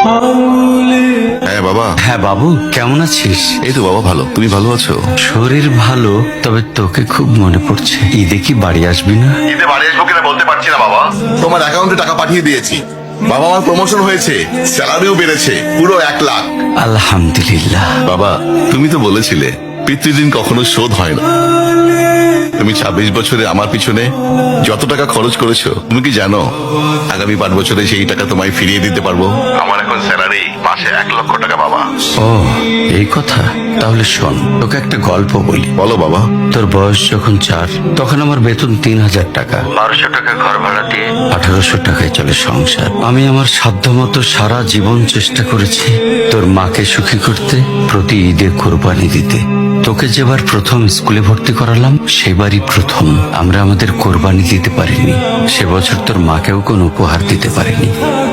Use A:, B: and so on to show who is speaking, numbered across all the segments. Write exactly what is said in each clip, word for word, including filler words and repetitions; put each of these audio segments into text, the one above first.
A: হ্যাঁ বাবা।
B: হ্যাঁ বাবু, কেমন আছিস?
A: এই তো বাবা ভালো, তুমি ভালো আছো?
B: শরীর ভালো, তবে তোকে খুব মনে পড়ছে। ঈদে কি বাড়ি আসবি না?
A: ঈদে বাড়ি আসবো কিনা বলতে পারছি না বাবা। তোমার অ্যাকাউন্টে টাকা পাঠিয়ে দিয়েছি বাবা, আমার প্রমোশন হয়েছে, স্যালারিও বেড়েছে পুরো এক লাখ।
B: আলহামদুলিল্লাহ।
A: বাবা তুমি তো বলেছিলে পিতৃদিন কখনো শোধ হয় না। তুমি ছাব্বিশ বছরে আমার পিছনে যত টাকা খরচ করেছো, তুমি কি জানো আগামী পাঁচ বছরে সেই টাকা তোমায় ফিরিয়ে দিতে পারবো। আমার এখন স্যালারি মাসে এক লক্ষ টাকা বাবা।
B: ও, এই কথা। তাহলে শোন, তোকে একটা গল্প বলি।
A: বলো বাবা।
B: তোর বয়স যখন চার, তখন আমার বেতন তিন হাজার টাকা। বারোশো টাকা ঘর ভাড়া দিয়ে আঠারোশো টাকায় চলে সংসার। আমি আমার সাধ্যমতো সারা জীবন চেষ্টা করেছি তোর মাকে সুখী করতে, প্রতি ঈদে কোরবানি দিতে। তোকে যেবার প্রথম স্কুলে ভর্তি করালাম, সেবারই প্রথম আমরা আমাদের কোরবানি দিতে পারিনি। সে বছর তোর মাকেও কোনো উপহার দিতে পারিনি।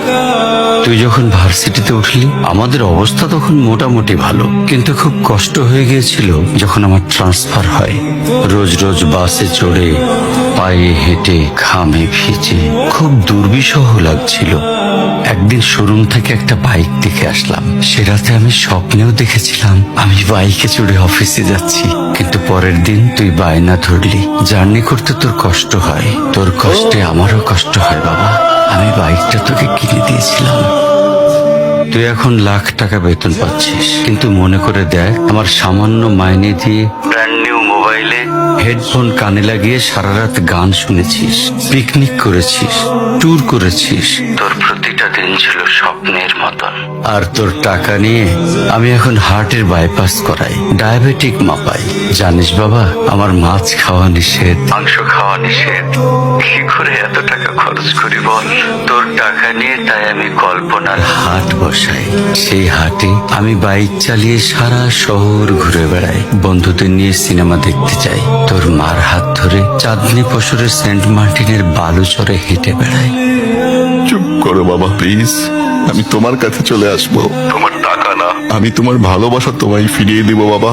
B: তুই যখন ভার্সিটিতে উঠলি, আমাদের অবস্থা তখন মোটামুটি ভালো, কিন্তু খুব কষ্ট হয়ে গিয়েছিল যখন আমার ট্রান্সফার হয়। রোজ রোজ বাসে চড়ে, পায়ে হেঁটে, ঘামে ভিজে খুব দুর্বিষহ লাগছিল। একদিন শোরুম থেকে একটা বাইক দেখে আসলাম। সে রাতে আমি স্বপ্নেও দেখেছিলাম আমি বাইকে চড়ে অফিসে যাচ্ছি। কিন্তু পরের দিন তুই বায়না ধরলি, জার্নি করতে তোর কষ্ট হয়। তোর কষ্টে আমারও কষ্ট হয় বাবা। আমি বাইকটা তোকে কিনে দিয়েছিলাম। তুই এখন লাখ টাকা বেতন পাচ্ছিস, কিন্তু মনে করে দেখ, আমার সামান্য মাইনে দিয়ে ব্র্যান্ড নিউ মোবাইলে হেডফোন কানে লাগিয়ে সারা রাত গান শুনেছিস, পিকনিক করেছিস, ট্যুর করেছিস। তোর প্রতিটা দিন ছিল স্বপ্নের মতন। আর তোর টাকা নিয়ে আমি এখন হার্টের বাইপাস করাই, ডায়াবেটিক মাপাই। জানিস বাবা, আমার মাছ খাওয়া নিষেধ, মাংস খাওয়া নিষেধ। কি করে এত টাকা খরচ করি বল? তোর টাকা নিয়ে তাই আমি কল্পনার হাট বসাই। সেই হাটে আমি বাইক চালিয়ে সারা শহর ঘুরে বেড়াই, বন্ধুদের নিয়ে সিনেমা দেখতে যাই, তোর মার হাত ধরে চাঁদনি পশরের সেন্ট মার্টিনের বালুচরে হেঁটে বেড়াই।
A: চুপ করো বাবা প্লিজ, আমি তোমার কাছে চলে আসবো। তোমার টাকা না, আমি তোমার ভালোবাসা তোমায় ফিরিয়ে দিব বাবা।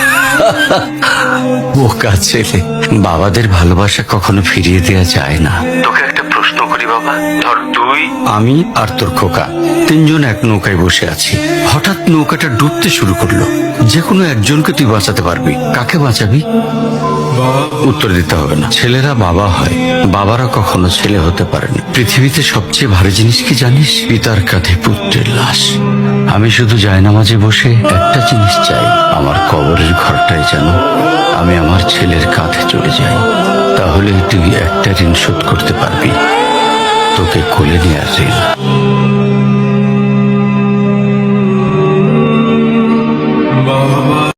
B: বোকা ছেলে, বাবাদের ভালোবাসা কখনো ফিরিয়ে দেওয়া যায় না। তোকে একটা প্রশ্ন করি বাবা, ধর তুই, আমি আর তোর খোকা তিনজন এক নৌকায় বসে আছি। হঠাৎ নৌকাটা ডুবতে শুরু করলো। যে কোনো একজনকে তুই বাঁচাতে পারবি, কাকে বাঁচাবি? উত্তর দিতে হবে না। ছেলেরা বাবা হয়, বাবারা কখনো ছেলে হতে পারেনি। পৃথিবীতে সবচেয়ে ভারী জিনিস কি জানিস? পিতার কাঁধে পুত্রের লাশ। আমি শুধু জায়নামাজে বসে একটা জিনিস চাই, আমার কবরের ঘরটায় যেন আমি আমার ছেলের কাঁধে চলে যাই। তাহলে তুই একটা ঋণ শোধ করতে পারবি, তোকে কোলে নেওয়ার ঋণ।